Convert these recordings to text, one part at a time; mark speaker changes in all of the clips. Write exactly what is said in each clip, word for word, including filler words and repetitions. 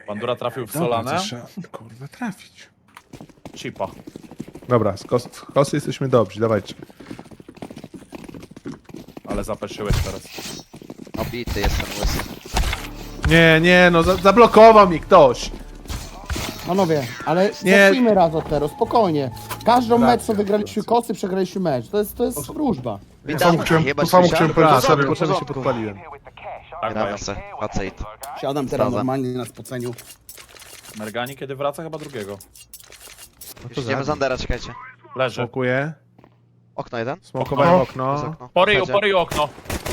Speaker 1: Bandura trafił w
Speaker 2: Dobra,
Speaker 1: Solanę.
Speaker 2: to trzeba, kurwa, trafić.
Speaker 1: Chipa.
Speaker 2: Dobra, z kos, z kosy jesteśmy dobrzy, dawajcie.
Speaker 1: Ale zapeszyłeś teraz.
Speaker 3: Obity jestem łysy.
Speaker 2: Nie, nie, no za, zablokował mi ktoś.
Speaker 4: Panowie, ale
Speaker 2: Nie.
Speaker 4: zacznijmy raz od teraz, spokojnie. Każdą
Speaker 2: Racja,
Speaker 4: mecz, co wygraliśmy kosy, przegraliśmy mecz. To jest, to jest wróżba.
Speaker 3: Witam,
Speaker 5: chciałem-
Speaker 3: chyba
Speaker 5: to samo
Speaker 3: słyszałem.
Speaker 5: chciałem
Speaker 2: Dobra,
Speaker 5: powiedzieć.
Speaker 2: sobie
Speaker 3: W
Speaker 2: potrzebnie się
Speaker 3: porządku.
Speaker 2: podpaliłem.
Speaker 1: Tak,
Speaker 3: Gramy
Speaker 1: mają.
Speaker 3: se, faceit.
Speaker 4: Siadam teraz
Speaker 3: Zgadza.
Speaker 4: normalnie na spoceniu.
Speaker 1: Mergani kiedy wraca? Chyba drugiego.
Speaker 2: No
Speaker 3: Już idziemy z Andera, czekajcie.
Speaker 1: Leży.
Speaker 2: Smokuję.
Speaker 3: Okno jeden?
Speaker 2: Smokowałem
Speaker 5: Okno.
Speaker 2: okno.
Speaker 3: Przez okno.
Speaker 1: Po ryju,
Speaker 3: Wejdzie.
Speaker 1: po ryju okno.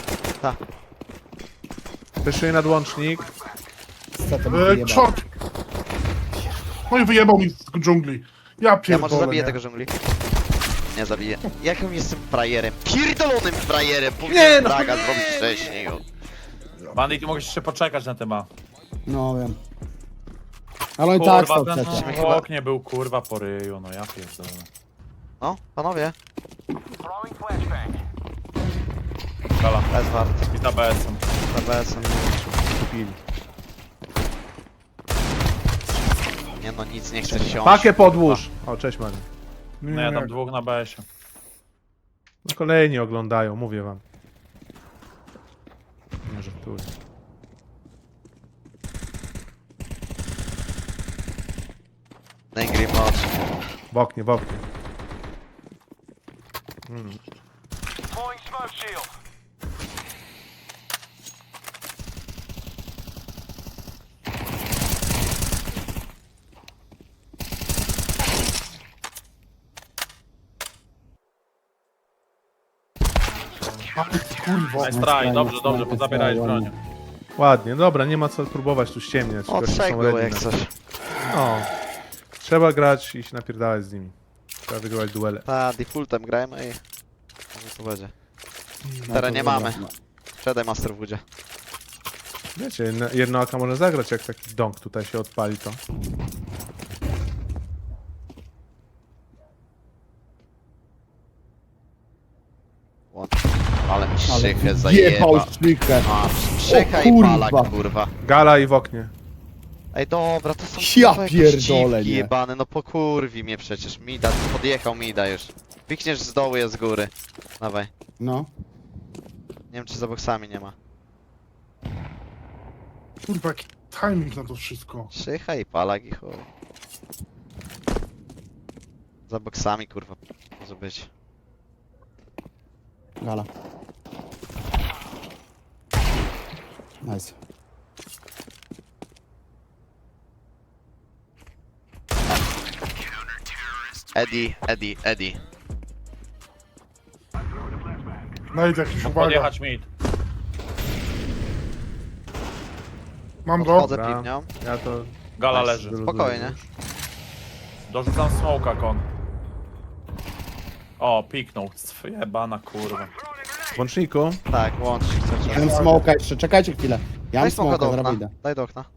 Speaker 2: Wyszuję nadłącznik.
Speaker 5: E, short! No i wyjebał mi z dżungli. Ja
Speaker 3: Ja
Speaker 5: pierdolę,
Speaker 3: może zabiję
Speaker 5: nie?
Speaker 3: tego dżungli. Nie zabiję. Jakim jestem frajerem? Pierdolonym frajerem!
Speaker 2: Nie,
Speaker 3: Powinienem
Speaker 2: no
Speaker 3: braga
Speaker 2: nie.
Speaker 3: zrobić wcześniej. o.
Speaker 1: Bandit, ty mogłeś jeszcze poczekać na tema.
Speaker 4: No wiem. Ale oni tak
Speaker 1: Kurwa,
Speaker 4: są
Speaker 1: ten
Speaker 4: przecież.
Speaker 1: w
Speaker 3: Chyba-
Speaker 1: oknie był kurwa po ryju, no ja pierdolę.
Speaker 3: No, panowie.
Speaker 1: Gala.
Speaker 3: Bez wart.
Speaker 1: I za B S-em.
Speaker 3: B S.
Speaker 2: Kupili.
Speaker 3: Nie no, nic nie chcę siąść.
Speaker 2: Pakę podłóż. O, cześć Mary.
Speaker 1: No ja tam dwóch na B S-ie.
Speaker 2: No kolejni oglądają, mówię wam. Nie żartuję.
Speaker 3: Angry Mod.
Speaker 2: W oknie, w oknie. Mm.
Speaker 5: Kurwa.
Speaker 1: Nice try, dobrze, dobrze, pozabierałeś broń.
Speaker 2: Ładnie, dobra, nie ma co próbować tu ściemniać.
Speaker 3: O,
Speaker 2: goście
Speaker 3: trzech
Speaker 2: są
Speaker 3: było
Speaker 2: ready
Speaker 3: jak
Speaker 2: na-
Speaker 3: coś.
Speaker 2: No. Trzeba grać i się napierdalać z nimi. Trzeba wygrywać duele.
Speaker 3: Ta, defaultem grajmy i... Może to będzie.
Speaker 4: No
Speaker 3: Teraz
Speaker 4: to
Speaker 3: nie
Speaker 4: dobra.
Speaker 3: mamy. Sprzedaj Master Woodzie.
Speaker 2: Wiecie, jedno- jedno aka można zagrać, jak taki dąg tutaj się odpali, to.
Speaker 3: Łącz. Ale mi
Speaker 4: Ale
Speaker 3: szychę
Speaker 4: jebał
Speaker 3: zajeba.
Speaker 4: szlikę.
Speaker 3: A, szycha
Speaker 4: O
Speaker 3: i
Speaker 4: kurwa.
Speaker 3: palak, kurwa.
Speaker 2: Gala i w oknie.
Speaker 3: Ej, dobra, to są
Speaker 4: Ja
Speaker 3: kurwa jakieś
Speaker 4: pierdolę,
Speaker 3: dziwki
Speaker 4: nie.
Speaker 3: jebane, no pokurwi mnie przecież. Mida, podjechał Mida już. Pikniesz z dołu, jest z góry. Dawaj.
Speaker 4: No.
Speaker 3: Nie wiem, czy za boksami nie ma.
Speaker 5: Kurwa, jaki timing na to wszystko.
Speaker 3: Szycha i palak i chuj. Za boksami, kurwa, może być.
Speaker 4: Gala. Nice.
Speaker 3: Eddie, Eddie, Eddie.
Speaker 5: Najdź jakiś uwaga.
Speaker 1: Podjechać mid.
Speaker 5: Mam go.
Speaker 3: Chodzę
Speaker 2: Dobra.
Speaker 3: piwnią.
Speaker 2: Ja to...
Speaker 1: Gala
Speaker 3: Nice.
Speaker 1: leży.
Speaker 2: wyluzuję
Speaker 3: Spokojnie.
Speaker 2: już.
Speaker 1: Dorzucam smoka kon. O, piknął. Jebana kurwa.
Speaker 2: W łączniku.
Speaker 3: Tak, łącz się chcesz.
Speaker 4: Ja mam smoka jeszcze, czekajcie chwilę. Ja mam
Speaker 3: Daj smoka
Speaker 4: smoka,
Speaker 3: do
Speaker 4: zaraz
Speaker 3: okna.
Speaker 4: idę.
Speaker 3: Daj do okna.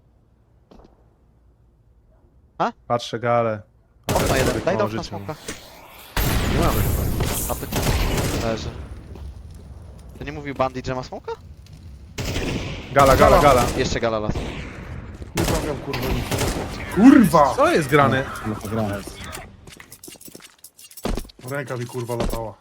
Speaker 2: Patrzę galę.
Speaker 3: Okno jeden. Daj do okna
Speaker 2: Życie.
Speaker 3: smoka.
Speaker 2: Nie mamy chyba.
Speaker 3: A ty... Leży. To nie mówił Bandit, że ma smoka?
Speaker 2: Gala, gala, gala.
Speaker 3: Jeszcze gala las.
Speaker 5: Nie trafiam, kurwa, nic. Kurwa!
Speaker 2: Co jest grane?
Speaker 4: No to grałem.
Speaker 5: Ręka mi kurwa latała.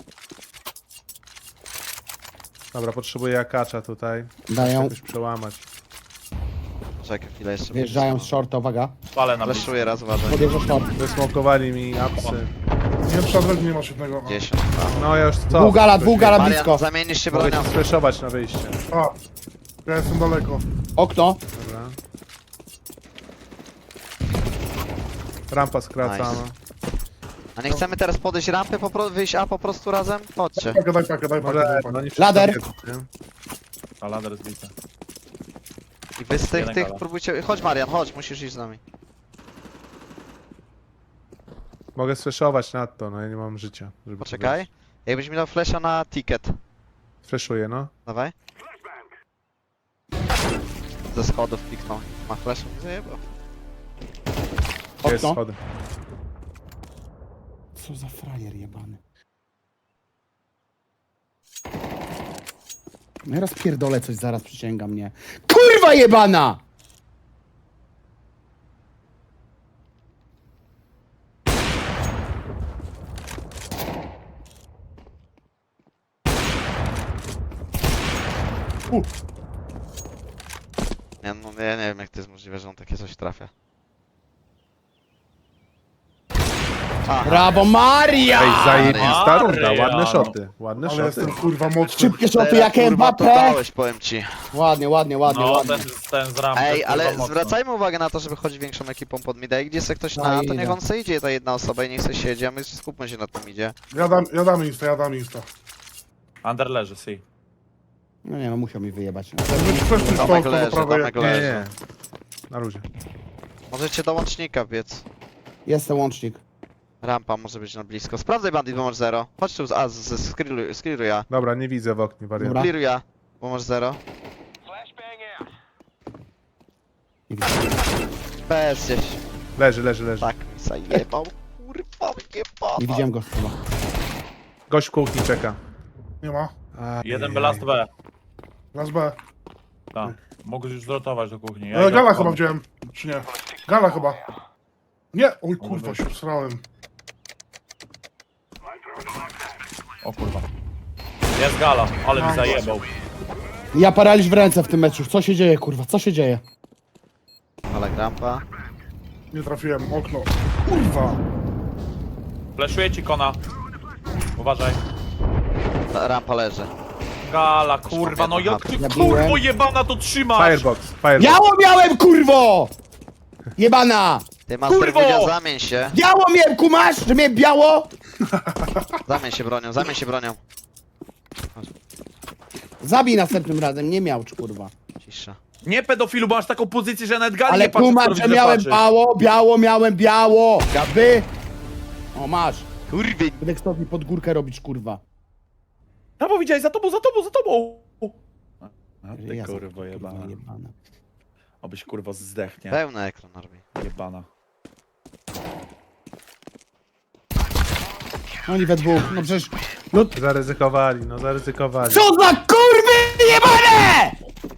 Speaker 2: Dobra, potrzebuję akacza tutaj.
Speaker 4: Dają,
Speaker 2: Jakoś przełamać.
Speaker 3: Czekaj chwilę jeszcze.
Speaker 4: wjeżdżają z shorta, uwaga.
Speaker 1: Palę na blisko.
Speaker 3: Fleszuję raz, uważaj.
Speaker 4: Podjeżdża short.
Speaker 2: Wysmokowali mi apsy.
Speaker 5: Nie przed nie masz jednego.
Speaker 3: dziesięć.
Speaker 2: No ja już co?
Speaker 4: Dwóch gala, dwóch gala
Speaker 3: Marian,
Speaker 4: blisko.
Speaker 3: zamienisz się
Speaker 2: Mogę
Speaker 3: bronią.
Speaker 2: ci sfreszować na wyjście.
Speaker 5: A, ja jestem daleko.
Speaker 4: Okno.
Speaker 2: Dobra. Rampa skracana.
Speaker 3: Nice. A nie chcemy teraz podejść rampy, po pro... wyjść A po prostu razem? Chodźcie.
Speaker 5: Pakę, daj pakę, daj pakę,
Speaker 2: Może,
Speaker 5: daj
Speaker 2: no
Speaker 5: pakę.
Speaker 2: nie wszyscy
Speaker 4: Lader.
Speaker 2: wiedzą, nie?
Speaker 1: A lader zbity.
Speaker 3: I wy z tych,
Speaker 1: Jeden
Speaker 3: tych
Speaker 1: gala.
Speaker 3: próbujcie... Chodź Marian, chodź, musisz iść z nami.
Speaker 2: Mogę sfreszować na to, no ja nie mam życia. Żeby to
Speaker 3: Poczekaj.
Speaker 2: zrobić.
Speaker 3: Jakbyś mi dał flesza na ticket.
Speaker 2: Sfreszuję, no.
Speaker 3: Dawaj. Ze schodów piknął. Ma flash? Zajebał.
Speaker 2: Jest
Speaker 4: Okno.
Speaker 2: schody.
Speaker 4: Co za frajer jebany. No ja raz pierdolę coś, zaraz przysięgam mnie. Kurwa jebana!
Speaker 5: U,
Speaker 3: Nie, no, ja nie wiem jak to jest możliwe, że on takie coś trafia. Aha,
Speaker 4: Brawo Maria!
Speaker 2: Ej, zajebista
Speaker 1: Maria,
Speaker 2: runda, ładne
Speaker 1: no.
Speaker 2: szoty. Ładne
Speaker 5: ale
Speaker 2: szoty.
Speaker 5: jestem kurwa mocny.
Speaker 4: Szybkie szoty
Speaker 3: teraz,
Speaker 4: jak
Speaker 3: kurwa, to
Speaker 4: Mbappé!
Speaker 3: dałeś, powiem ci.
Speaker 4: Ładnie, ładnie, ładnie,
Speaker 1: No,
Speaker 4: ładnie.
Speaker 1: ten, ten z rampy.
Speaker 3: Ej,
Speaker 1: kurwa,
Speaker 3: ale
Speaker 1: mocno.
Speaker 3: zwracajmy uwagę na to, żeby chodzić większą ekipą pod mida. Jak gdzie se ktoś
Speaker 4: No
Speaker 3: na, to
Speaker 4: idę.
Speaker 3: niech on se idzie, ta jedna osoba i niech se siedzi, a my skupmy się na tym idzie.
Speaker 5: Ja dam, ja dam insta, ja dam insta.
Speaker 1: Under leży, si.
Speaker 4: No nie no, musiał mi wyjebać.
Speaker 5: Przeszli
Speaker 3: Tomek
Speaker 5: stąd, to
Speaker 3: leży,
Speaker 5: prawej.
Speaker 3: Tomek
Speaker 2: Nie,
Speaker 3: leży.
Speaker 2: nie. Na luzie.
Speaker 3: Możecie do łącznika biec.
Speaker 4: Jest ten łącznik.
Speaker 3: Rampa może być na blisko. Sprawdzaj bandit, bo masz zero. Chodź tu, z- a, z- z- skliruj, skliruj ja.
Speaker 2: Dobra, nie widzę w oknie wariant.
Speaker 4: Dobra.
Speaker 3: Skliruj ja, bo masz zero.
Speaker 4: Nie widzę.
Speaker 3: Bez gdzieś.
Speaker 2: Leży, leży, leży.
Speaker 3: Tak mi zajebał. Kurwa, jebał.
Speaker 4: Nie widziałem go chyba.
Speaker 2: Gość w kuchni czeka.
Speaker 5: Nie ma.
Speaker 1: Jeden B, last B.
Speaker 5: Las B.
Speaker 1: Tak. Mogłeś już zrotować do kuchni. Ja
Speaker 5: E,
Speaker 1: idę
Speaker 5: Gala
Speaker 1: od
Speaker 5: chyba
Speaker 1: domu.
Speaker 5: wziąłem. Czy nie? Gala chyba. Nie! Oj kurwa, się wsrałem.
Speaker 1: O kurwa. Jest gala, ale mi zajebał.
Speaker 4: Ja paraliż w ręce w tym meczu. Co się dzieje, kurwa? Co się dzieje?
Speaker 3: Ale rampa.
Speaker 5: Nie trafiłem, okno. Kurwa!
Speaker 1: Fleszuję ci kona. Uważaj.
Speaker 3: Ta rampa leży.
Speaker 1: Gala, kurwa, no jak ty
Speaker 4: Zabiłem.
Speaker 1: kurwo jebana to trzymasz?
Speaker 2: Firebox, firebox.
Speaker 4: Biało miałem, kurwo! Jebana!
Speaker 3: Ty master
Speaker 1: Kurwo!
Speaker 3: Budzia, zamień się.
Speaker 4: Biało miałem, kumasz? Że miałem biało?
Speaker 3: Zamień się bronią, zamień się bronią.
Speaker 4: Zabij następnym razem, nie miał, kurwa.
Speaker 3: Cisza.
Speaker 1: Nie pedofilu, bo masz taką pozycję, że nawet gali
Speaker 4: Ale
Speaker 1: nie patrzy,
Speaker 4: kumasz,
Speaker 1: kto
Speaker 4: że
Speaker 1: widzę
Speaker 4: miałem
Speaker 1: patrzy.
Speaker 4: biało, biało, miałem biało! Gaby! O, masz.
Speaker 3: Kurwy.
Speaker 4: Będę chciał mi pod górkę robić, kurwa.
Speaker 1: No bo widziałeś, za tobą, za tobą, za tobą! A ty
Speaker 4: Ja
Speaker 1: kurwo
Speaker 4: kurwa,
Speaker 1: jebana.
Speaker 4: jebana.
Speaker 1: Obyś kurwo zdechnie.
Speaker 3: Pełny ekran robi.
Speaker 1: Jebana.
Speaker 4: Oni we dwóch, no przecież... No
Speaker 2: Zaryzykowali, no zaryzykowali.
Speaker 4: co za kurwy jebane!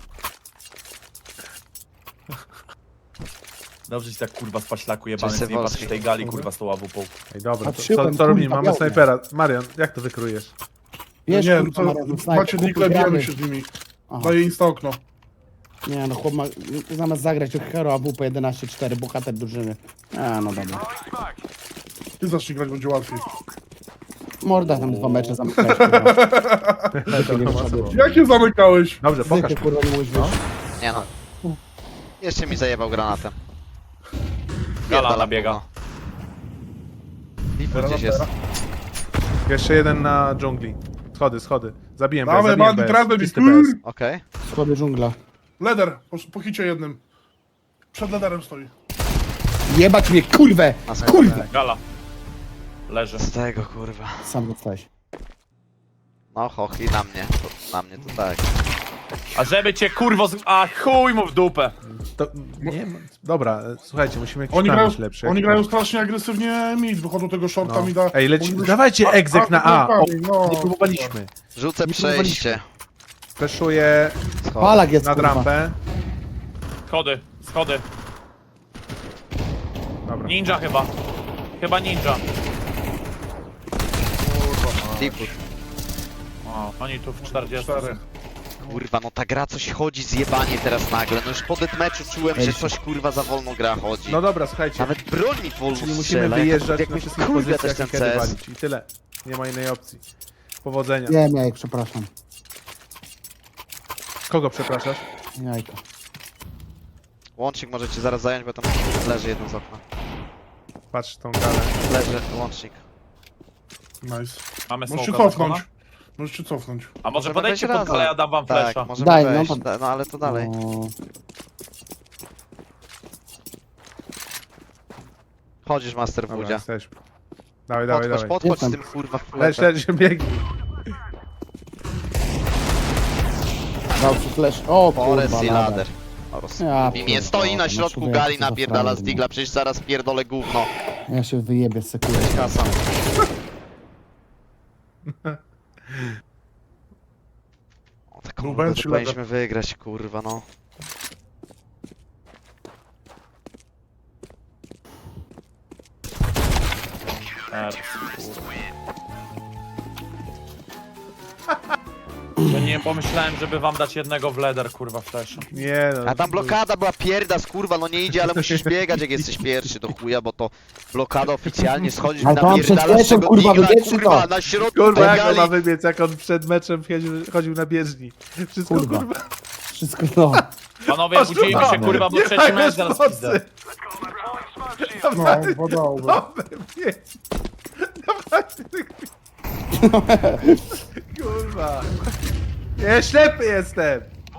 Speaker 1: Dobrze ci tak kurwa z paślaku jebany,
Speaker 3: Wszyscy
Speaker 1: z nie patrzysz
Speaker 3: Wolski.
Speaker 1: tej gali kurwa z tą ławupą.
Speaker 2: Ej, dobra, to,
Speaker 4: Patrzyłem,
Speaker 2: co, co
Speaker 4: kurwa,
Speaker 2: robimy? Mamy
Speaker 4: białe.
Speaker 2: snajpera. Marian, jak to wykrujesz?
Speaker 4: Wiesz,
Speaker 5: nie,
Speaker 4: kurwa,
Speaker 5: to
Speaker 4: Marian, snajper,
Speaker 5: macie
Speaker 4: kupuj
Speaker 5: nikle,
Speaker 4: gramy.
Speaker 5: bijemy się z nimi.
Speaker 4: Aha.
Speaker 5: Daję insta okno.
Speaker 4: Nie no, chłop ma... Zamiast zagrać od Hero A W P jedenaście cztery, bohater drużyny. A, no dobra.
Speaker 5: Ty zacznij grać, będzie łatwiej.
Speaker 4: Morda tam dwa mecze zamykałeś, kurwa. Lepiej nie wyszedł.
Speaker 5: Jak je zamykałeś?
Speaker 2: Dobrze, pokaż.
Speaker 4: Zwykle, kurwa, nie mówisz, wiesz.
Speaker 3: Nie no. Jeszcze mi zajebał granatem.
Speaker 1: Gala
Speaker 3: Pierdala
Speaker 1: nabiega.
Speaker 3: gówno. Lipo gdzieś jest.
Speaker 2: Jeszcze jeden na dżungli. Schody, schody. Zabiłem bez,
Speaker 5: Dawaj,
Speaker 2: zabiłem
Speaker 5: bandit,
Speaker 2: bez.
Speaker 5: razem i
Speaker 2: Czysty bez.
Speaker 5: kur...
Speaker 3: Okej.
Speaker 4: Schody dżungla.
Speaker 5: Leder, po, po hicie jednym. Przed lederem stoi.
Speaker 4: Jebać mnie, kurwę!
Speaker 3: Na schodach.
Speaker 4: Kurwa!
Speaker 1: Gala. Leży.
Speaker 3: Z tego kurwa.
Speaker 4: Sam dostałeś.
Speaker 3: No hochi na mnie. To, na mnie to tak.
Speaker 1: A żeby cię kurwo z... A chuj mu w dupę.
Speaker 2: To, nie, ma- dobra, e, słuchajcie, musimy jakiś
Speaker 5: Oni
Speaker 2: plan
Speaker 5: grają,
Speaker 2: mieć lepszy.
Speaker 5: oni
Speaker 2: jak-
Speaker 5: grają strasznie agresywnie mid, wychodzą tego shorta
Speaker 2: No.
Speaker 5: mida.
Speaker 2: Ej, leci...
Speaker 5: Oni już-
Speaker 2: dawajcie egzek na A. O,
Speaker 5: no,
Speaker 2: nie próbowaliśmy.
Speaker 3: Rzucę
Speaker 2: Nie
Speaker 3: przejście.
Speaker 2: Fleszuję
Speaker 3: Schody.
Speaker 4: Palak jest,
Speaker 2: nad
Speaker 4: kurwa.
Speaker 2: rampę.
Speaker 1: Schody, schody.
Speaker 2: Dobra.
Speaker 1: Ninja chyba. Chyba ninja.
Speaker 3: Deepwood.
Speaker 1: O, oni tu w czterdziestu.
Speaker 5: Cztery.
Speaker 3: Kurwa, no ta gra coś chodzi zjebanie teraz nagle. No już po deathmatchu czułem, że coś kurwa za wolno gra chodzi.
Speaker 2: No dobra, słuchajcie.
Speaker 3: Nawet broń mi wolno
Speaker 2: Czyli musimy
Speaker 3: strzela.
Speaker 2: wyjeżdżać
Speaker 3: jak,
Speaker 2: na
Speaker 3: jak
Speaker 2: wszystkich
Speaker 3: kurwa też
Speaker 2: pozycjach
Speaker 3: ten
Speaker 2: i kiedy
Speaker 3: C S.
Speaker 2: walić. I tyle. Nie ma innej opcji. Powodzenia.
Speaker 4: Wiem, jajek, przepraszam.
Speaker 2: Kogo przepraszasz?
Speaker 4: Jajko.
Speaker 3: Łącznik możecie zaraz zająć, bo tam leży jedno z okna.
Speaker 2: Patrz tą galę.
Speaker 3: Leży łącznik.
Speaker 5: Nice.
Speaker 1: Mamy
Speaker 5: Możesz się
Speaker 1: smoka
Speaker 5: cofnąć.
Speaker 1: zakona?
Speaker 5: Możesz się cofnąć.
Speaker 1: A może
Speaker 3: Możemy
Speaker 1: podejdźcie
Speaker 3: wejść
Speaker 1: pod galę,
Speaker 3: razem.
Speaker 1: ja dam wam
Speaker 3: Tak,
Speaker 1: flesza.
Speaker 3: możemy
Speaker 4: Daj, no,
Speaker 3: wejść.
Speaker 4: pod-
Speaker 3: Da- no ale to dalej.
Speaker 4: O,
Speaker 3: Chodzisz master
Speaker 2: Dobra,
Speaker 3: Budzia.
Speaker 2: jesteśmy. Dawaj, dawaj,
Speaker 3: Podchodź,
Speaker 2: dawaj.
Speaker 3: podchodź z
Speaker 4: Jestem.
Speaker 3: tym kurwa
Speaker 2: Lecz,
Speaker 3: fletem.
Speaker 2: lecz, biegnij.
Speaker 4: dał ci flash. O, kurwa,
Speaker 3: Forest i
Speaker 4: lader.
Speaker 3: lader. O, roz-
Speaker 4: Ja
Speaker 3: I nie
Speaker 4: pierdolę,
Speaker 3: stoi na
Speaker 4: no
Speaker 3: środku
Speaker 4: człowieku,
Speaker 3: gali,
Speaker 4: co za
Speaker 3: napierdala z
Speaker 4: frajer,
Speaker 3: digla, przecież zaraz pierdolę gówno.
Speaker 4: no. Ja się wyjebię z sekundy.
Speaker 3: Kasa. O, taką
Speaker 5: Rubens
Speaker 3: rundę
Speaker 5: czy
Speaker 3: to powinniśmy wygrać, kurwa no.
Speaker 1: Ers, kurwa. To nie nie pomyślałem, żeby wam dać jednego w leder, kurwa, flash.
Speaker 2: Nie no.
Speaker 3: A tam blokada była pierda, skurwa, no nie idzie, ale musisz biegać jak jesteś pierwszy do chuja, bo to blokada oficjalnie schodzi
Speaker 4: Ale to on przed
Speaker 3: napierdalasz
Speaker 4: meczem,
Speaker 3: tego
Speaker 4: kurwa,
Speaker 3: digla,
Speaker 4: wybiegł, czy
Speaker 3: kurwa,
Speaker 4: to?
Speaker 3: na środku
Speaker 2: Kurwa,
Speaker 3: tej
Speaker 2: jak on
Speaker 3: gali.
Speaker 2: ma wybiec, jak on przed meczem chodził, chodził na bieżni. Wszystko
Speaker 4: Kurwa.
Speaker 2: kurwa.
Speaker 4: Wszystko no.
Speaker 1: Panowie, budzimy się, kurwa, bo
Speaker 2: Nie
Speaker 1: trzeci
Speaker 2: ma
Speaker 1: mecz zaraz
Speaker 2: mocy.
Speaker 1: widzę.
Speaker 5: No, podałby.
Speaker 2: Biec. Dawajcie tego. Kurwa. Nie, ślepy jestem.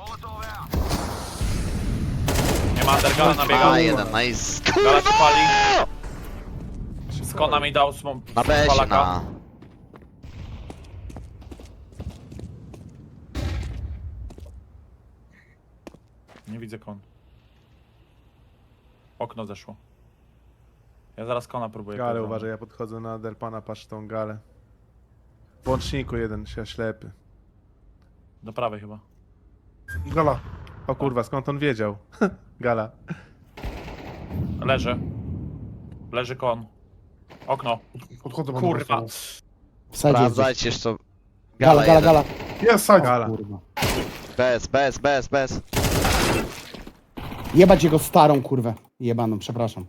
Speaker 1: Nie ma undergala nabiegał.
Speaker 3: A, jeden, nice.
Speaker 1: Gala się
Speaker 3: Kurwa!
Speaker 1: pali. Skona mi dał smą...
Speaker 3: Na besie,
Speaker 1: palaka.
Speaker 3: na.
Speaker 1: Nie widzę kon. Okno zeszło. Ja zaraz kona próbuję.
Speaker 2: Gale,
Speaker 1: kurwa.
Speaker 2: uważaj, ja podchodzę na Delpana, patrz tą galę. W łączniku jeden się ślepy.
Speaker 1: Do prawej chyba.
Speaker 5: Gala.
Speaker 2: O kurwa, skąd on wiedział? Gala.
Speaker 1: Leży. Leży kon. Okno.
Speaker 5: Podchodzę do
Speaker 1: Kurwa.
Speaker 5: was.
Speaker 4: W sadzie gdzieś.
Speaker 3: Sprawdzajcie jeszcze.
Speaker 4: Gala, gala,
Speaker 3: jeden.
Speaker 4: gala.
Speaker 5: Jest side.
Speaker 2: Gala.
Speaker 4: Kurwa.
Speaker 3: Bez, bez, bez, bez.
Speaker 4: Jebać jego starą kurwę. Jebaną, przepraszam.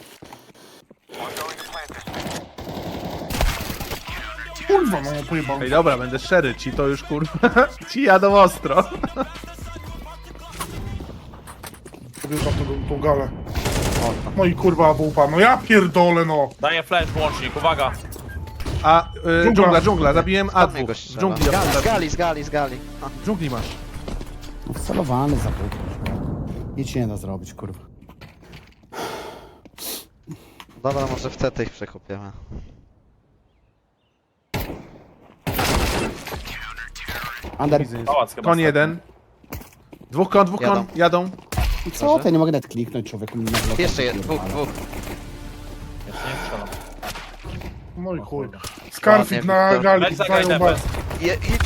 Speaker 5: Kurwa, no pojebał.
Speaker 2: Ej, dobra, będę szczery, ci to już kurwa. Ci jadą ostro.
Speaker 5: Podjeżdżam tą, tą galę. No i kurwa, wupa. No ja pierdolę, no.
Speaker 1: Daję flash włącznik, uwaga.
Speaker 2: A, y,
Speaker 5: Dżungla.
Speaker 2: dżungla, dżungla, zabiłem A
Speaker 3: Od niego
Speaker 2: dwóch.
Speaker 3: strzela.
Speaker 2: Dżungli,
Speaker 3: Gali, z
Speaker 2: dżungli,
Speaker 3: gali, z gali, z gali. A,
Speaker 2: dżungli masz.
Speaker 4: No wcelowany za pół. Nic się nie da zrobić, kurwa.
Speaker 3: Dobra, może w te ich przekopiemy.
Speaker 4: Under.
Speaker 2: Easy.
Speaker 1: Pałac chyba.
Speaker 2: Kon jeden. Dwóch kon, dwóch kon,
Speaker 3: Jadą.
Speaker 2: jadą.
Speaker 4: I co? To ja nie mogę nawet kliknąć, człowieku. na blokach
Speaker 3: Jeszcze jeden,
Speaker 4: pierdolę.
Speaker 3: dwóch, dwóch.
Speaker 1: Jeszcze nie strzelam.
Speaker 5: No i
Speaker 1: O
Speaker 5: chuj.
Speaker 1: kurwa.
Speaker 5: Skarfik
Speaker 3: Ładnie,
Speaker 5: na
Speaker 3: Wiktor.
Speaker 5: gali.
Speaker 1: Weź zagraj
Speaker 5: Znają
Speaker 1: D P.
Speaker 5: was.
Speaker 3: Je, i...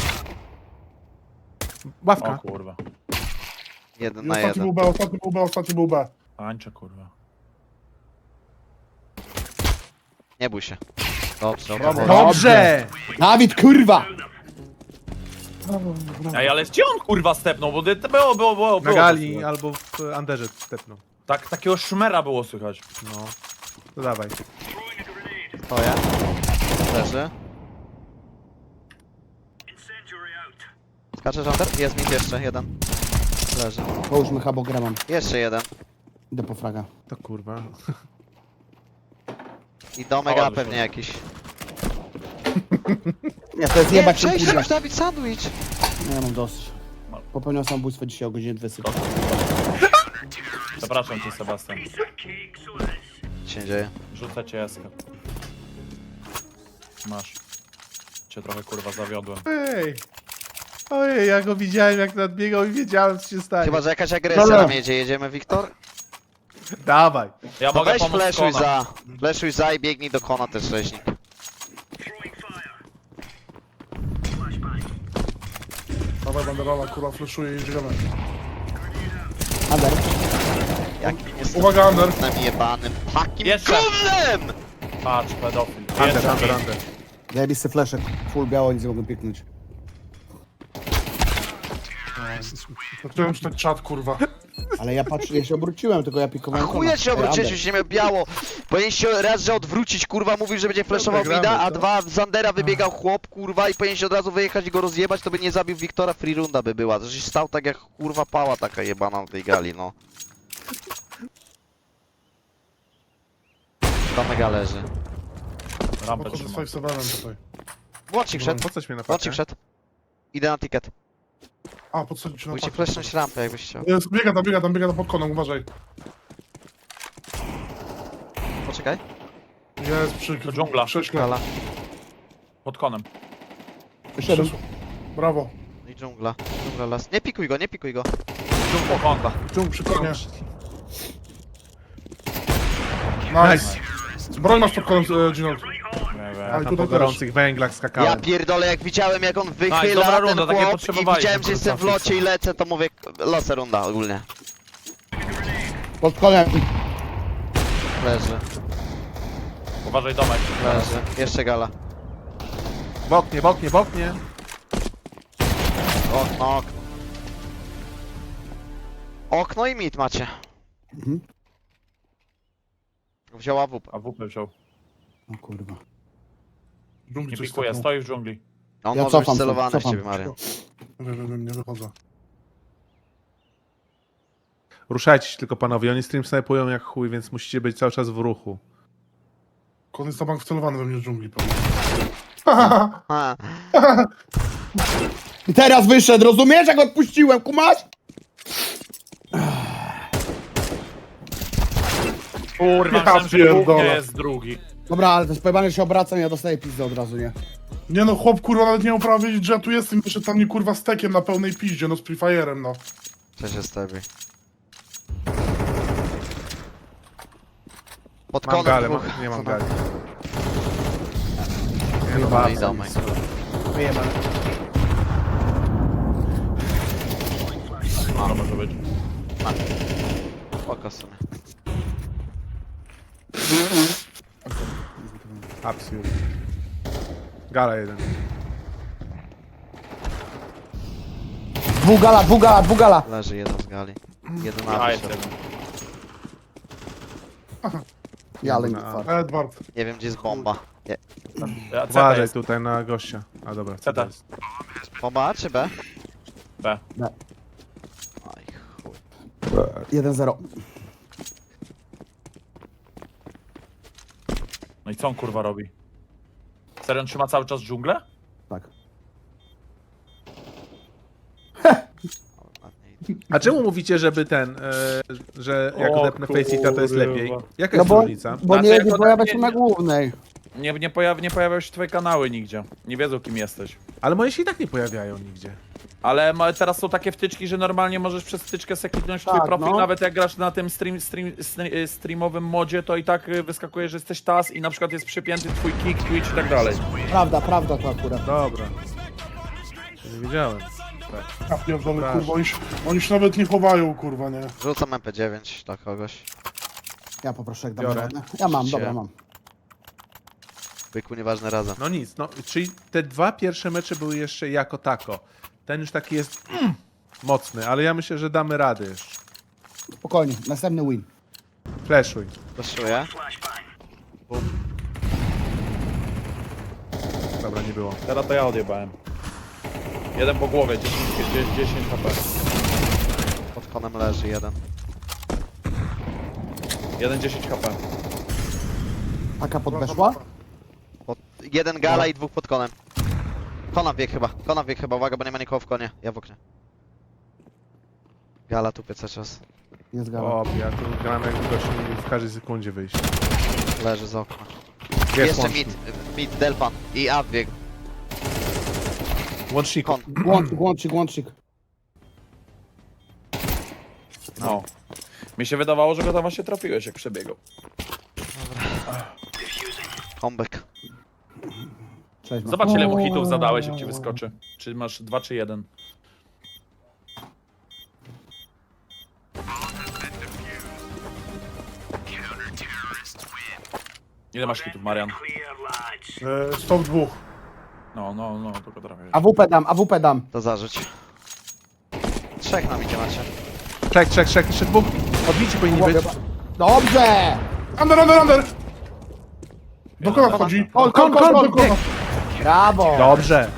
Speaker 1: O
Speaker 2: Ławka.
Speaker 1: kurwa.
Speaker 3: Jeden
Speaker 5: I
Speaker 3: na
Speaker 5: ostatni
Speaker 3: jeden.
Speaker 5: był B, ostatni był B, ostatni był B.
Speaker 1: Tańczę, kurwa.
Speaker 3: Nie bój się. Dobrze,
Speaker 1: Brawo.
Speaker 3: dobrze.
Speaker 2: Dobrze!
Speaker 4: Dawid, kurwa!
Speaker 1: Ej, ale gdzie on kurwa stepnął? Bo to było, było, było,
Speaker 2: Na
Speaker 1: było
Speaker 2: gali
Speaker 1: słychać.
Speaker 2: albo w Anderze stepną.
Speaker 1: Tak, takiego szmera było słychać.
Speaker 2: No. To dawaj.
Speaker 3: To ja. Leży. Skaczesz under? Jest mit jeszcze, jeden. Leży.
Speaker 4: Połóżmy habogramem.
Speaker 3: Jeszcze jeden.
Speaker 4: Idę po fraga.
Speaker 2: To kurwa.
Speaker 3: I domek
Speaker 1: O,
Speaker 3: A
Speaker 1: ale
Speaker 3: pewnie
Speaker 1: szkoda.
Speaker 3: jakiś.
Speaker 4: Ja to jest
Speaker 3: Nie,
Speaker 4: jebać się
Speaker 3: przejść
Speaker 4: kurwa.
Speaker 3: już Dawid sandwich.
Speaker 4: Nie, ja mam dosyć. Popełniał samobójstwo dzisiaj o godzinie dwudziestej.
Speaker 1: Przepraszam cię, Sebastian.
Speaker 3: Co się dzieje?
Speaker 1: Rzucę cię eskę. Masz. Cię trochę kurwa zawiodłem.
Speaker 2: Ej. Ojej, ja go widziałem jak nadbiegał i wiedziałem co się stanie.
Speaker 3: Chyba, że jakaś agresja
Speaker 4: Dobra.
Speaker 3: nam jedzie. Jedziemy, Wiktor?
Speaker 2: Dawaj.
Speaker 1: Ja
Speaker 3: To
Speaker 1: mogę
Speaker 3: weź
Speaker 1: pomóc
Speaker 3: fleszuj
Speaker 1: kona.
Speaker 3: za. Fleszuj za i biegnij do kona też rzeźnik.
Speaker 5: Dawaj banderola, kurwa, fleszuje i żyjemy.
Speaker 4: Under.
Speaker 3: Jakim jestem
Speaker 5: Uwaga, Under.
Speaker 3: gównem jebanym. Takim
Speaker 1: Jeszcze.
Speaker 3: gównem!
Speaker 1: Patrz, pedofil.
Speaker 2: Under,
Speaker 1: Jeszcze
Speaker 2: under,
Speaker 1: mi.
Speaker 2: under.
Speaker 4: Zajebisty fleszek. Full biało, nic nie mogę piknąć.
Speaker 5: Zacząłem czytać czat, kurwa.
Speaker 4: Ale ja patrzę, ja się obróciłem, tylko ja
Speaker 3: A
Speaker 4: pikowałem
Speaker 3: chuja się
Speaker 4: Ej,
Speaker 3: obróciłeś,
Speaker 4: Under.
Speaker 3: już się miał biało. Powinien się raz, że odwrócić, kurwa, mówił, że będzie flashował
Speaker 2: gramy,
Speaker 3: mida, a
Speaker 2: co?
Speaker 3: dwa, z Zandera wybiegał chłop, kurwa, i powinien się od razu wyjechać i go rozjebać, to by nie zabił Wiktora, free runda by była. Żeś stał tak jak, kurwa, pała taka jebana na tej gali, no. Tam mega leży.
Speaker 1: Rampę
Speaker 5: Podchodzę z
Speaker 1: trzymam.
Speaker 5: five sevenem tutaj.
Speaker 3: Łącznik wszedł,
Speaker 2: Po coś mnie
Speaker 3: łącznik
Speaker 2: napadnie?
Speaker 3: wszedł. Idę na ticket.
Speaker 5: A, podsadzić na
Speaker 3: Musicie
Speaker 5: pakę.
Speaker 3: flashnąć rampę, jakbyś chciał.
Speaker 5: Jest, biega tam, biega tam, biega tam pod konem, uważaj.
Speaker 3: Poczekaj.
Speaker 5: Jest przy
Speaker 1: To dżungla.
Speaker 5: krześle.
Speaker 3: Gala.
Speaker 1: Pod konem.
Speaker 4: Wyszedłem.
Speaker 5: Krzesło. Brawo.
Speaker 3: I dżungla. Dżungla las. Nie pikuj go, nie pikuj go.
Speaker 1: Dżungla konta.
Speaker 5: Dżung przy konie.
Speaker 2: Nice.
Speaker 5: Nice. Broń masz pod konem, e, Ginold.
Speaker 1: Nie wiem.
Speaker 5: Ale
Speaker 2: Na
Speaker 5: tutaj
Speaker 2: po
Speaker 5: też.
Speaker 2: gorących węglach
Speaker 3: Ja
Speaker 2: skakałem.
Speaker 3: pierdolę, jak widziałem jak on
Speaker 1: Nice,
Speaker 3: wychyla
Speaker 1: dobra
Speaker 3: ten
Speaker 1: runda, takiej
Speaker 3: chłop i
Speaker 1: potrzebowaliśmy,
Speaker 3: widziałem, że jestem w
Speaker 1: kurwa,
Speaker 3: locie i lecę, to mówię, losa runda ogólnie.
Speaker 4: Pod konem.
Speaker 3: Leży,
Speaker 1: Uważaj domek.
Speaker 3: leży. Jeszcze gala.
Speaker 2: W oknie, w oknie, w oknie.
Speaker 3: Okno, okno. Okno i mit macie.
Speaker 4: Mhm.
Speaker 3: Wziął A W P.
Speaker 1: A W P wziął.
Speaker 4: O kurwa.
Speaker 5: Dżungli
Speaker 1: Nie
Speaker 5: coś
Speaker 1: pikuje,
Speaker 5: staknął.
Speaker 1: stoi w dżungli.
Speaker 3: On
Speaker 4: Ja
Speaker 3: może
Speaker 4: cofam
Speaker 3: być
Speaker 4: się,
Speaker 3: celowany w
Speaker 4: cofam.
Speaker 3: ciebie, Mario.
Speaker 5: Wiem, wiem, wiem, nie wychodzę.
Speaker 2: Ruszajcie się tylko panowie, oni stream snajpują jak chuj, więc musicie być cały czas w ruchu.
Speaker 5: Kon jest na bank wcelowany we mnie z dżungli, pewnie.
Speaker 3: Ha.
Speaker 4: I teraz wyszedł, rozumiesz, jak odpuściłem, kumasz?
Speaker 1: Kurwa,
Speaker 5: Ja
Speaker 1: myślałem, że dwóch nie
Speaker 5: pierdolę.
Speaker 1: jest drugi.
Speaker 4: Dobra, ale to jest pojebane, że się obracam, ja dostaję pizdę od razu, nie?
Speaker 5: Nie no, chłop kurwa nawet nie miał prawa wiedzieć, że ja tu jestem i wyszedł tam mnie kurwa stekiem na pełnej piździe, no z Free Fire'em, no.
Speaker 3: Co się stawi? Pod
Speaker 2: Mam
Speaker 3: konem
Speaker 2: galę, mam,
Speaker 3: dwóch.
Speaker 2: nie mam
Speaker 3: Co
Speaker 2: gali.
Speaker 3: tam?
Speaker 2: Nie no,
Speaker 3: No i
Speaker 2: bardzo.
Speaker 3: domek.
Speaker 4: Wyjebane.
Speaker 1: To może być.
Speaker 3: Spoko sobie.
Speaker 2: Absurd. Gala jeden.
Speaker 4: Dwugala, dwugala, dwugala.
Speaker 3: Leży jeden z gali. Jeden
Speaker 1: A,
Speaker 3: na
Speaker 1: jest
Speaker 3: wyszedł.
Speaker 1: jeden.
Speaker 4: Ja, ale nie
Speaker 2: Na A.
Speaker 4: fart.
Speaker 5: Edward.
Speaker 3: Nie wiem gdzie jest bomba. Nie.
Speaker 1: Ja, C T
Speaker 2: Uważaj
Speaker 1: jest.
Speaker 2: tutaj na gościa. A dobra,
Speaker 1: C T.
Speaker 2: jest.
Speaker 3: Bomba A czy B?
Speaker 1: B.
Speaker 3: Aj chuj.
Speaker 4: jeden zero.
Speaker 1: No i co on kurwa robi? Serio, on trzyma cały czas dżunglę?
Speaker 4: Tak.
Speaker 2: A czemu mówicie, żeby ten, e, że jak
Speaker 1: O
Speaker 2: odepnę Faceita to jest
Speaker 1: kurwa.
Speaker 2: lepiej? Jaka
Speaker 4: No
Speaker 2: jest
Speaker 4: bo,
Speaker 2: różnica?
Speaker 4: bo
Speaker 1: Znaczy,
Speaker 4: nie,
Speaker 1: jak
Speaker 4: nie
Speaker 1: ona-
Speaker 4: pojawia
Speaker 1: nie-
Speaker 4: się na głównej.
Speaker 1: Nie, nie, pojaw, nie pojawiają się twoje kanały nigdzie. Nie wiedzą kim jesteś.
Speaker 2: Ale moje się i tak nie pojawiają nigdzie.
Speaker 1: Ale ma, teraz są takie wtyczki, że normalnie możesz przez wtyczkę sobie kliknąć w twój
Speaker 4: Tak,
Speaker 1: profil,
Speaker 4: no.
Speaker 1: nawet jak grasz na tym stream, stream, stre- streamowym modzie, to i tak y, wyskakuje, że jesteś T A S i na przykład jest przypięty twój kick, Twitch i tak dalej.
Speaker 4: Prawda, prawda to akurat.
Speaker 2: Dobra. Nie wiedziałem.
Speaker 5: Ja pierdolę,
Speaker 2: Proszę.
Speaker 5: kurwa, oni się, oni się nawet nie chowają, kurwa, nie.
Speaker 3: Rzucam M P dziewięć dla kogoś.
Speaker 4: Ja poproszę, jak dam
Speaker 2: Biorę.
Speaker 4: radę. Ja mam,
Speaker 3: Się.
Speaker 4: dobra, mam.
Speaker 3: Byku nieważne razem.
Speaker 2: No nic, no, czyli te dwa pierwsze mecze były jeszcze jako tako. Ten już taki jest mm, mocny, ale ja myślę, że damy radę jeszcze.
Speaker 4: Spokojnie, następny win.
Speaker 2: Flashuj.
Speaker 3: Flashuję.
Speaker 2: Dobra, nie było.
Speaker 1: Teraz to ja odjebałem. Jeden po głowie, dziesięć, dziesięć H P.
Speaker 3: Pod konem leży jeden.
Speaker 1: Jeden dziesięć H P.
Speaker 4: Taka podweszła?
Speaker 3: Pod... Jeden gala i dwóch pod konem. Kona bieg chyba. Kona bieg chyba, uwaga, bo nie ma nikogo w konie. Ja w oknie. Gala tupie cały czas.
Speaker 4: Jest gala.
Speaker 2: O, ja tu gram jakby gość mógł w każdej sekundzie wyjść.
Speaker 3: Leży z okna.
Speaker 2: Jest
Speaker 3: Jeszcze
Speaker 2: łącznik.
Speaker 3: mid, mid, Delpan. I A bieg.
Speaker 2: Łączniku.
Speaker 3: Kon.
Speaker 4: Łącznik, łącznik, łącznik.
Speaker 1: No. Mi się wydawało, że go tam właśnie trafiłeś, jak przebiegał.
Speaker 3: Comeback.
Speaker 4: Cześć, no.
Speaker 1: Zobacz, ile mu hitów zadałeś, jak ci wyskoczy. Czy masz dwa, czy jeden? Ile masz hitów, Marian?
Speaker 5: E, stop dwóch.
Speaker 1: No, no, no, tylko trafię.
Speaker 4: A W P dam, A W P dam.
Speaker 3: To zarzuć. Trzech nam idzie macie.
Speaker 2: Czek, czek, czek, jeszcze dwóch. Odbici powinni być.
Speaker 4: Dobrze!
Speaker 5: Under, under, under! Do kona wchodzi.
Speaker 4: Kon,
Speaker 5: Kon,
Speaker 4: kon,
Speaker 5: kon,
Speaker 4: kon,
Speaker 5: do kona.
Speaker 4: Brawo!
Speaker 2: Dobrze.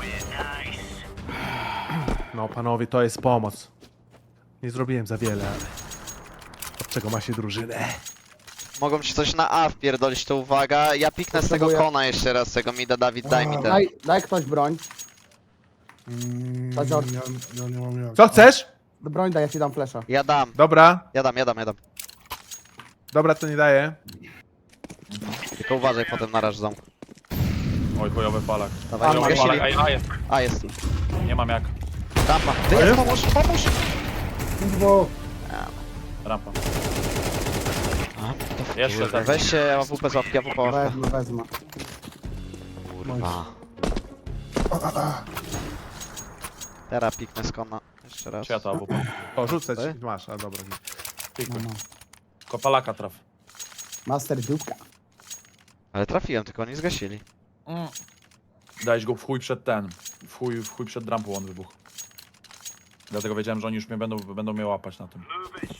Speaker 2: No panowie, to jest pomoc. Nie zrobiłem za wiele, ale... Od czego ma się drużynę?
Speaker 3: Mogą ci coś na A wpierdolić, to uwaga. Ja piknę z tego
Speaker 4: Potrzebuję-
Speaker 3: kona jeszcze raz, z tego mida. Dawid, daj mi ten.
Speaker 4: Daj, daj ktoś broń.
Speaker 5: Mm,
Speaker 4: Chodź, chodź.
Speaker 5: ja, ja nie mam jak.
Speaker 2: Co chcesz?
Speaker 4: Broń daj, ja ci dam flesza.
Speaker 3: Ja dam,
Speaker 2: Dobra,
Speaker 3: ja dam, ja dam, ja dam.
Speaker 2: dobra, to nie daję.
Speaker 3: Tylko uważaj potem na raż ząb.
Speaker 1: Oj, chujowy palak.
Speaker 3: Dawaj,
Speaker 4: A,
Speaker 1: Chujowy
Speaker 3: zgasili.
Speaker 1: palak, a, a jest.
Speaker 3: A, jest.
Speaker 1: Nie mam jak.
Speaker 3: Rampa. Wyjedź, pomóż, pomóż!
Speaker 5: Kurwa.
Speaker 1: Rampa. Jeszcze tak.
Speaker 3: Weźcie A W P z łapki, A W P łapka.
Speaker 4: Wezmę, wezmę.
Speaker 3: Kurwa. Teraz piknę z kona. Jeszcze raz.
Speaker 1: Czy ja to A W P?
Speaker 2: O, rzucę
Speaker 3: Ty?
Speaker 2: ci. Masz, a dobra.
Speaker 4: No,
Speaker 1: Pikuj.
Speaker 4: no.
Speaker 1: Tylko palaka traf.
Speaker 4: Master dupka.
Speaker 3: Ale trafiłem, tylko oni zgasili.
Speaker 1: Mm. Dałeś go w chuj przed ten. W chuj, w chuj przed rampą on wybuchł. Dlatego wiedziałem, że oni już mnie będą, będą mnie łapać na tym.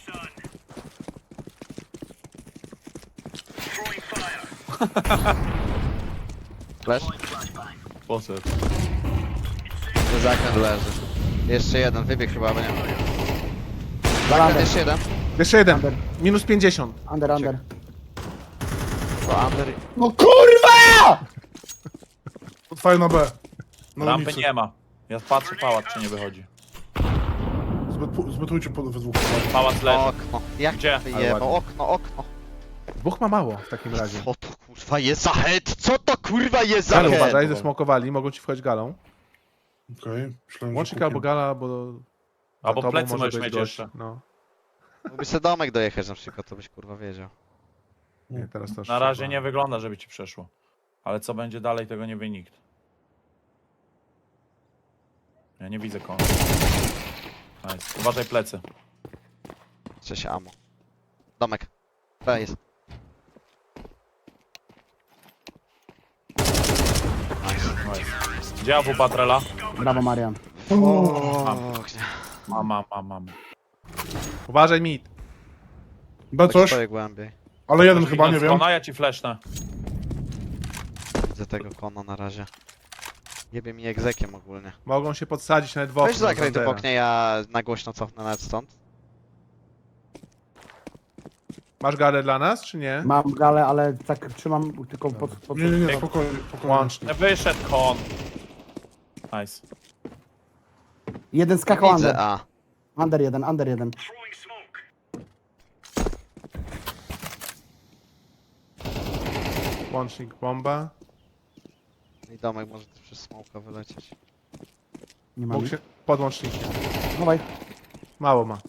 Speaker 3: Flash?
Speaker 1: Poszedł.
Speaker 3: Zakręt leży. Jeszcze jeden, wybieg chyba, bo nie.
Speaker 4: Under,
Speaker 3: Zakręt jeszcze jeden.
Speaker 2: Jeszcze jeden.
Speaker 4: Under.
Speaker 2: Minus pięćdziesiąt.
Speaker 4: under, under.
Speaker 3: To under.
Speaker 4: No kurwa!
Speaker 5: Otwaj na B. Na
Speaker 1: Rampy
Speaker 5: ulicy.
Speaker 1: nie ma. Ja patrzę pałac, czy nie wychodzi.
Speaker 5: Zbyt, zbytujcie po, we dwóch.
Speaker 1: Pałac leży.
Speaker 3: Okno. Jak
Speaker 1: Gdzie?
Speaker 3: wyjebał? Okno, okno.
Speaker 2: Dwóch ma mało w takim razie.
Speaker 3: Co to kurwa jest za head? Co to kurwa jest za
Speaker 2: Galę
Speaker 3: head?
Speaker 2: uważaj, zesmokowali, mogą ci wchodzić galą.
Speaker 5: Okej, myślałem, że
Speaker 2: Łącznik
Speaker 5: kukiem.
Speaker 2: albo gala, bo... za
Speaker 1: Albo
Speaker 2: tobą
Speaker 1: plecy
Speaker 2: może
Speaker 1: możesz
Speaker 2: być
Speaker 1: mieć
Speaker 2: gość.
Speaker 1: jeszcze.
Speaker 2: No.
Speaker 3: Mógłbyś sobie domek dojechać na przykład, to byś kurwa wiedział.
Speaker 2: Nie, teraz to już
Speaker 1: Na razie
Speaker 2: trzeba.
Speaker 1: nie wygląda, żeby ci przeszło. Ale co będzie dalej, tego nie wie nikt. Ja nie widzę kogo. Nice. Uważaj plecy.
Speaker 3: Cześć amo. Domek. B jest.
Speaker 1: Nice. Gdzie A W Patrela?
Speaker 4: Brawo, Marian.
Speaker 3: O, gdzie?
Speaker 1: Mam, mam, mam, mam.
Speaker 2: Uważaj mit.
Speaker 5: B
Speaker 3: Tak
Speaker 5: coś,
Speaker 3: stoję głębiej.
Speaker 5: ale jeden chyba, nie
Speaker 1: Idąc
Speaker 5: wiem.
Speaker 1: kona, ja ci flashnę.
Speaker 3: Widzę tego kona na razie. Jebie mi egzekiem ogólnie.
Speaker 2: Mogą się podsadzić nawet w okno.
Speaker 3: Weź zagraj tu w
Speaker 2: Zandera.
Speaker 3: oknie, ja na głośno cofnę nawet stąd.
Speaker 2: Masz galę dla nas, czy nie?
Speaker 4: Mam galę, ale tak trzymam tylko pod... pod...
Speaker 5: Nie, nie, nie, spokojnie, spokojnie.
Speaker 2: Łącznik.
Speaker 1: Wyszedł kon. Nice.
Speaker 4: Jeden skakał
Speaker 3: Widzę,
Speaker 4: under.
Speaker 3: a.
Speaker 4: Under jeden, under jeden.
Speaker 2: Łącznik, bomba.
Speaker 3: I domek może tu przez smoka wylecieć.
Speaker 4: Nie mam.
Speaker 2: Mógł się... Pod łącznikiem.
Speaker 4: Dawaj.
Speaker 2: Mało ma.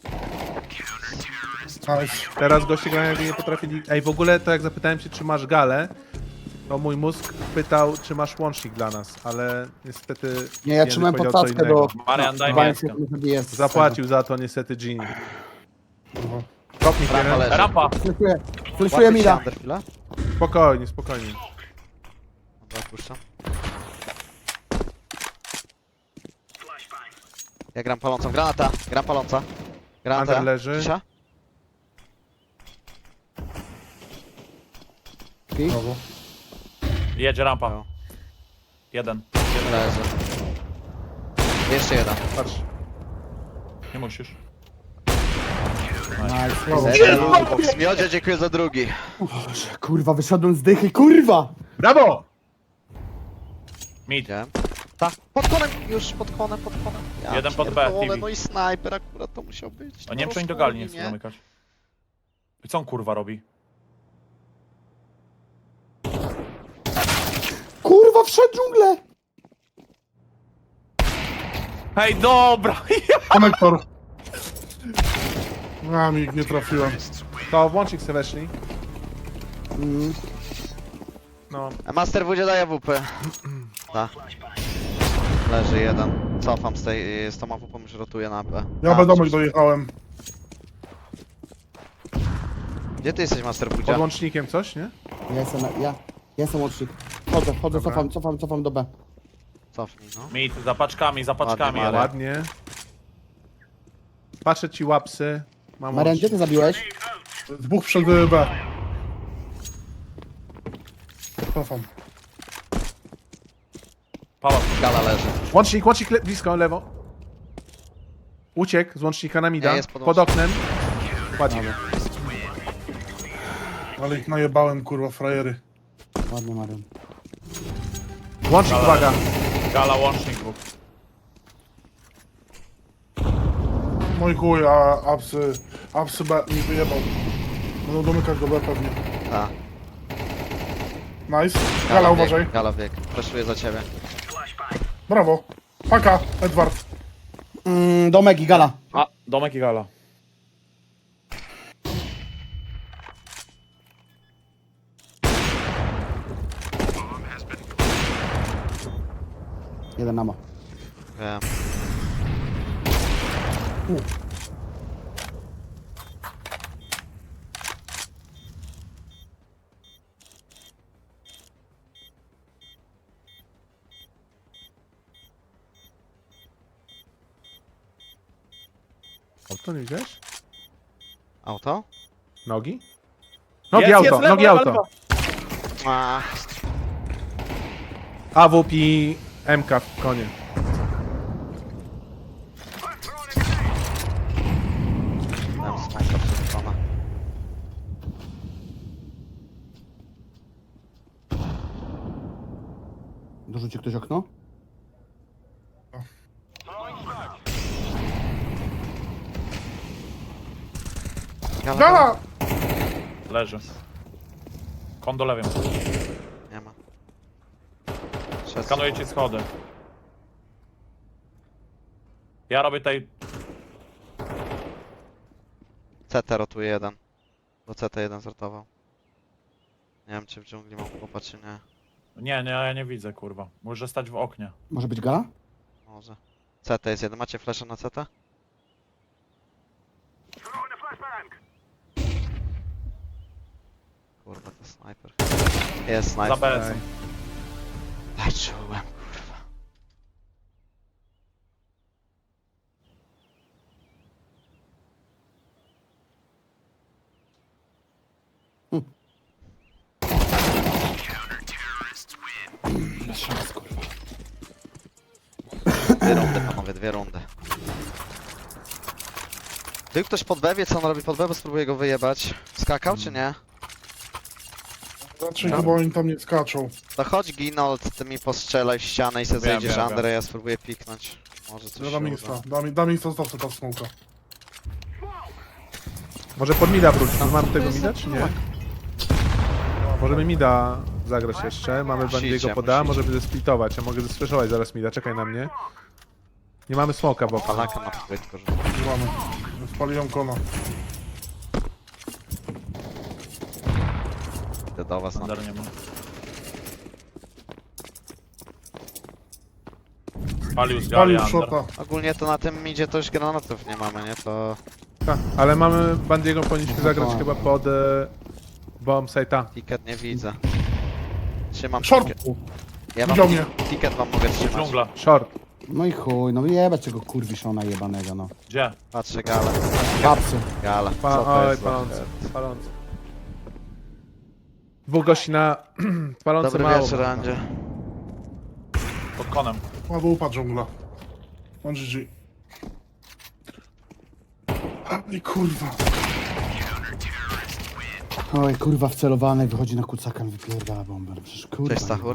Speaker 5: Nice.
Speaker 2: Teraz goście grają jakby nie potrafili... Ej, w ogóle to jak zapytałem się, czy masz galę, to mój mózg pytał, czy masz łącznik dla nas, ale niestety...
Speaker 4: Nie, ja
Speaker 2: Jędryk
Speaker 4: trzymałem
Speaker 2: powiedział co
Speaker 4: podstawkę
Speaker 2: innego.
Speaker 4: do...
Speaker 1: Marian, daj
Speaker 4: dwa
Speaker 1: mięsko.
Speaker 4: sekund jest z
Speaker 2: Zapłacił za to niestety Genie.
Speaker 5: Kurwa.
Speaker 2: Kopnik
Speaker 3: Rampa
Speaker 2: jeden.
Speaker 3: leży.
Speaker 1: Rampa.
Speaker 4: tego. Fleszuję. Fleszuję
Speaker 3: Łapię
Speaker 4: mi
Speaker 3: się
Speaker 4: da.
Speaker 3: under chwilę.
Speaker 2: Spokojnie, spokojnie.
Speaker 3: Dobra, puszczam. Ja gram palącą. Granata. Gram paląca. Granata.
Speaker 2: Under leży.
Speaker 3: Cisza?
Speaker 5: Brawo.
Speaker 1: Jedzie rampa.
Speaker 3: No.
Speaker 1: Jeden.
Speaker 3: Leży. Jeszcze jeden.
Speaker 2: Patrz.
Speaker 1: Nie musisz.
Speaker 4: Nice.
Speaker 3: Zero box. Miodzie, dziękuję za drugi.
Speaker 4: Kurwa, wyszedłem z dychy, kurwa!
Speaker 2: Brawo!
Speaker 1: Mid.
Speaker 3: Widziałem. Tak, pod konem, już pod konem, pod konem. Ja
Speaker 1: Jeden pod B,
Speaker 3: pierdolę,
Speaker 1: T V.
Speaker 3: no i snajper akurat to musiał być.
Speaker 1: O, nie wiem, czy oni do gali nie chcą zamykać. I co on kurwa robi?
Speaker 4: Kurwa, wszedł dżunglę!
Speaker 1: Hej, dobra!
Speaker 5: Konektor. A, mi nie trafiłem.
Speaker 2: To w łącznik sobie weszli.
Speaker 4: Mm.
Speaker 2: No,
Speaker 3: Master W daje W P. Tak. Leży jeden. Cofam z tej, z tą A W P, już rotuję na B.
Speaker 5: Ja
Speaker 3: A,
Speaker 5: B domek
Speaker 3: coś-
Speaker 5: dojechałem.
Speaker 3: Gdzie ty jesteś, Master
Speaker 2: pod
Speaker 3: W?
Speaker 2: łącznikiem coś, nie?
Speaker 4: Ja jestem, na, ja, ja jestem łącznik. Chodzę, chodzę,
Speaker 2: Dobra.
Speaker 4: cofam, cofam, cofam do B.
Speaker 3: Cofnij, no.
Speaker 1: Mid, za paczkami, za paczkami,
Speaker 3: Ładnie,
Speaker 1: ale...
Speaker 2: Ładnie. Patrzę ci łapsy. Mam
Speaker 4: Marian, gdzie
Speaker 2: łącznik.
Speaker 4: ty zabiłeś?
Speaker 5: Dwóch przed B. Cofam.
Speaker 1: Pałac.
Speaker 3: Gala leży.
Speaker 2: Łącznik, łącznik le blisko, lewo. Uciekł z łącznika na mida.
Speaker 3: Nie, jest pod
Speaker 2: pod oknem. Ładnie.
Speaker 5: Ale ich najebałem, kurwa, frajery.
Speaker 4: Ładnie, Marian.
Speaker 2: Łącznik,
Speaker 1: Gala.
Speaker 2: uwaga.
Speaker 1: Gala, łącznik dwóch.
Speaker 5: Mój chuj, a apsy, apsy B mi wyjebał. Będą domykać do B pewnie.
Speaker 3: Tak.
Speaker 5: Nice. Gala,
Speaker 3: wiek,
Speaker 5: uważaj.
Speaker 3: Gala wiek. Preszuję za ciebie.
Speaker 5: Brawo. Paka, Edward.
Speaker 4: Mm, domek i gala.
Speaker 1: A, domek i gala.
Speaker 4: Jeden nama.
Speaker 3: Wiem.
Speaker 2: Auto, nie widziałeś?
Speaker 3: Auto?
Speaker 2: Nogi? Nogi
Speaker 1: Jest,
Speaker 2: auto,
Speaker 1: jest, lewo,
Speaker 2: nogi
Speaker 1: lewo,
Speaker 2: auto.
Speaker 1: lewo.
Speaker 3: A,
Speaker 2: A W P i M K w konie.
Speaker 3: dałem smoka przerzucona.
Speaker 4: Dorzuci ktoś okno?
Speaker 3: Gala,
Speaker 5: Gala!
Speaker 1: Leży. Kondo lewym.
Speaker 3: Nie ma. Szedł.
Speaker 1: Skanuję ci schody. Ja robię tutaj...
Speaker 3: C T rotuje jeden. Bo C T jeden zrotował. Nie wiem czy w dżungli mam chłopa czy nie.
Speaker 1: Nie, nie, ja nie widzę, kurwa. Może stać w oknie.
Speaker 4: Może być gala?
Speaker 3: Może. C T jest jeden. Macie flaszę na C T? Kurwa to snajper. Jest
Speaker 1: Za
Speaker 3: snajper.
Speaker 1: B S-em.
Speaker 3: Aj, czułem kurwa.
Speaker 4: Bez szans, kurwa.
Speaker 3: Dwie rundy panowie, dwie rundy. Był ktoś pod B, wie co on robi pod B, bo spróbuję go wyjebać. Skakał czy nie?
Speaker 5: Raczej chyba oni tam nie skaczą.
Speaker 3: To chodź Ginold, ty mi postrzelaj w ścianę i se
Speaker 1: Wiem,
Speaker 3: zejdziesz
Speaker 1: wiem,
Speaker 3: Andre, ja spróbuję piknąć. Może coś
Speaker 5: Ja
Speaker 3: się
Speaker 5: dam
Speaker 3: uda.
Speaker 5: insta. Dam, dam insta, zostaw sobie ta smoka.
Speaker 2: Może pod mida wrócić. Mamy tego mida, czy nie? Możemy mida zagrać jeszcze. Mamy Bandiego
Speaker 3: Musicie,
Speaker 2: poda,
Speaker 3: musicie.
Speaker 2: możemy zesplitować. Ja mogę zesfreshować zaraz mida, czekaj na mnie. Nie mamy smoka, bo...
Speaker 3: Palaka na płytko rzucę.
Speaker 5: Nie mamy. Spaliłem kona.
Speaker 3: Idę do was na
Speaker 1: Under nie ma. Spalił z gali
Speaker 5: Spalił
Speaker 1: Under.
Speaker 5: shota.
Speaker 3: Ogólnie to na tym idzie to już granatów nie mamy, nie? To
Speaker 2: Ta, ale mamy Bandiego, powinniśmy
Speaker 4: No
Speaker 2: zagrać
Speaker 4: tak.
Speaker 2: chyba pod... E, bomb site'a.
Speaker 3: ticket nie widzę. Trzymam
Speaker 5: Short!
Speaker 3: ticket. Ja wam
Speaker 5: Widział mnie.
Speaker 3: ticket wam mogę trzymać.
Speaker 1: Dżungla.
Speaker 2: Short.
Speaker 4: No i chuj, no jebać tego kurwiszona jebanego, no.
Speaker 1: Gdzie?
Speaker 3: Patrzę gala.
Speaker 4: Papsy.
Speaker 3: Gala.
Speaker 2: Pa,
Speaker 3: Co to
Speaker 2: oj,
Speaker 3: jest za-
Speaker 2: palący. Palący. Dwóch gości na... palące
Speaker 3: Dobry
Speaker 2: mało.
Speaker 3: wieczór Andzie.
Speaker 1: Pod konem.
Speaker 5: Ładno upadł dżungla. On G G. I kurwa.
Speaker 4: Oj, kurwa wcelowany, wychodzi na kucaka, mi wypierdala bombę. No przecież kurwa.
Speaker 3: Cześć Stachur.